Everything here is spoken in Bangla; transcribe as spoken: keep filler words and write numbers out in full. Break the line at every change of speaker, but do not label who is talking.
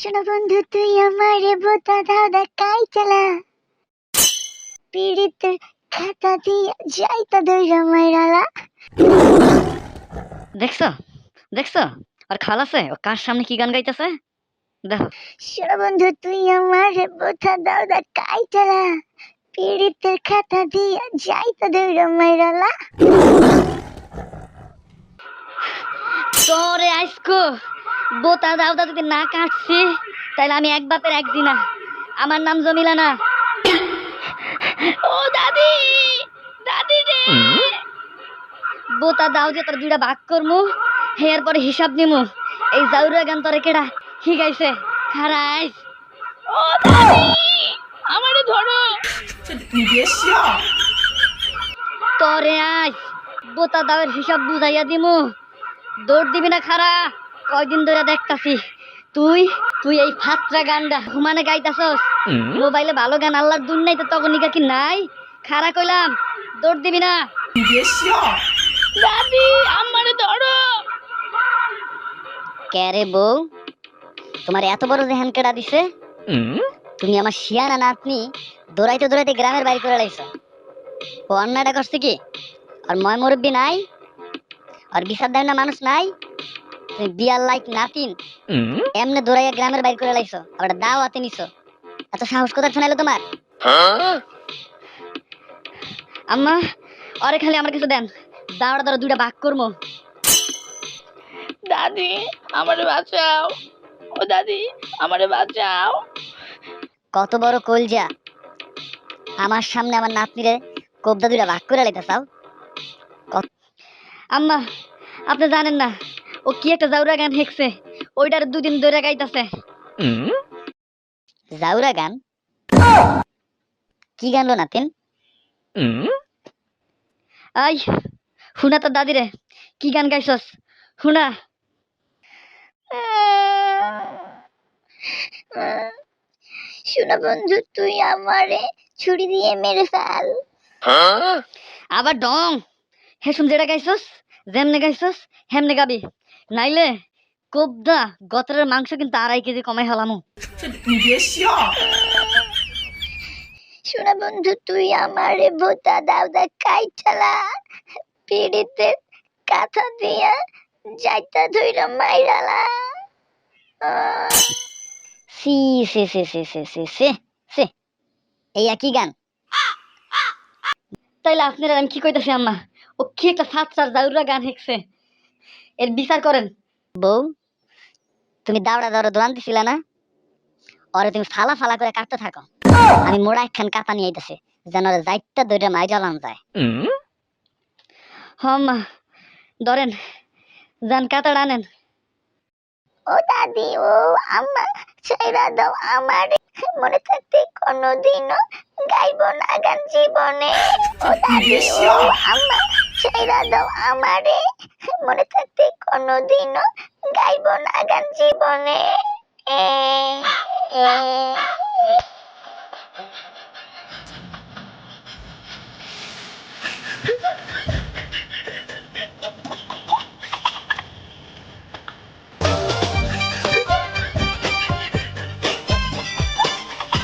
শোনো বন্ধু তুই আমারে বোতা দাদা কাই চালা পীড়িতের খাতা দিয়া যাইতা দইরা মাইরালা।
দেখছো দেখছো আর খালাসে ও কার সামনে কি গান গাইতেছে দেখো।
শোনো বন্ধু তুই আমারে বোতা দাদা কাই চালা পীড়িতের খাতা দিয়া যাইতা দইরা মাইরালা।
তোরে আইসকো বোতা দাউদা যদি না কাটছি তাহলে আমি এক বাপের একদিন না। আমার নাম জমিলা না। ও দাদি দাদি রে বোতা দাও যে তোর দুইটা ভাগ করমু হেয়ার পরে হিসাব নিমু। এই জাউরা গান তোরে কেডা শিখাইছে খারাইস। ও দাদি আমারে ধরো তোরে আজ বোতা দাওয়ের হিসাব বুঝাইয়া দিমু। দৌড় দিবি না খারা কয়দিন ধরে দেখতাছি তুই তুই এই ফাত্রা গানটা হুমানে গাইতাছস। মোবাইলে ভালো গান আল্লাহর দুন নাই তো তখন নিকা কি নাই খারা কইলাম দৌড় দিবি না। দাদি আমারে ধরো। ক্যারে বউ তোমার এত বড় জেহান কেডা দিছে? তুমি আমার শিয়ানা নাতনি দৌড়াইতে দৌড়াইতে গ্রামের বাইরে করে লাইছো। ও অন্যায়টা করছে কি? আর ময় মুরব্বী নাই আর বিচার দেয় না মানুষ নাই। তুমি বিয়ার লাইক নাতিন এমনে দৌড়াইয়া গ্রামের বাইরে করে লাইছো আবার দাওয়াতে নিছো। এত সাহস কোথায় শোনাইলো তোমার? আম্মা আরে খালি আমার কিছু দেন দাওড়া দাওড়া দুইটা ভাগ করবো। দাদি আমারে বাঁচাও ও দাদি আমারে বাঁচাও। কত বড় কলজা আমার সামনে আমার নাতনিরে কোবদা দুইটা ভাগ করে লাইতে চাও? আম্মা আপনি জানেন না ও কি একটা জাউরা গান হেঁকছে ওইটার দুদিন ধরে গাইতাছে। জাউরা গান? কি গানলো নাতিন? আই হুনা তোর দাদি রে কি গান গাইছস হুনা।
শোনো বন্ধু তুই আমারে ছুরি দিয়ে মেরে ফেল।
আবার ডং হেসুম যেটা গাইছস যেমনে গাইছস হেমনে গাবি নাইলে কোবদা গতরের মাংস কিন্তু আড়াই কেজি কমাই হলামু।
শোনো বন্ধু তুই আমারে বোতা দাউদা কাই চালা পীড়িতের কাঁথা দিয়া যাইতা ধইরা মাইরালা।
সি সে সে সে সে সে সে সে এই একই গান। তাইলে আপনারা আমি কি কইতাছি আম্মা ও কি একটা ফাতসার জাউরা গান হেঁকছে এর বিচার করেন। বউ তুমি দাওড়া দাওড়া দোয়ান দিছিল না ওরে তুমি ফালা ফালা করে কাটতে থাকো। আমি মোড়া একখান কাতা নিয়ে আইতাছি যেন ওরে যাইতা দইরা মাই জ্বালান যায়। হ মা ধরেন যান কাতাড় আনেন।
ও দাদি ও আম্মা ছাইরা দাও আমারে মনে থাকতে কোনোদিনও গাইব না গান জীবনে। ও দাদি ও আম্মা ছাইরা দাও আমারে মনে থাকতে কোনোদিনও গাইব না গান জীবনে। এ, এ।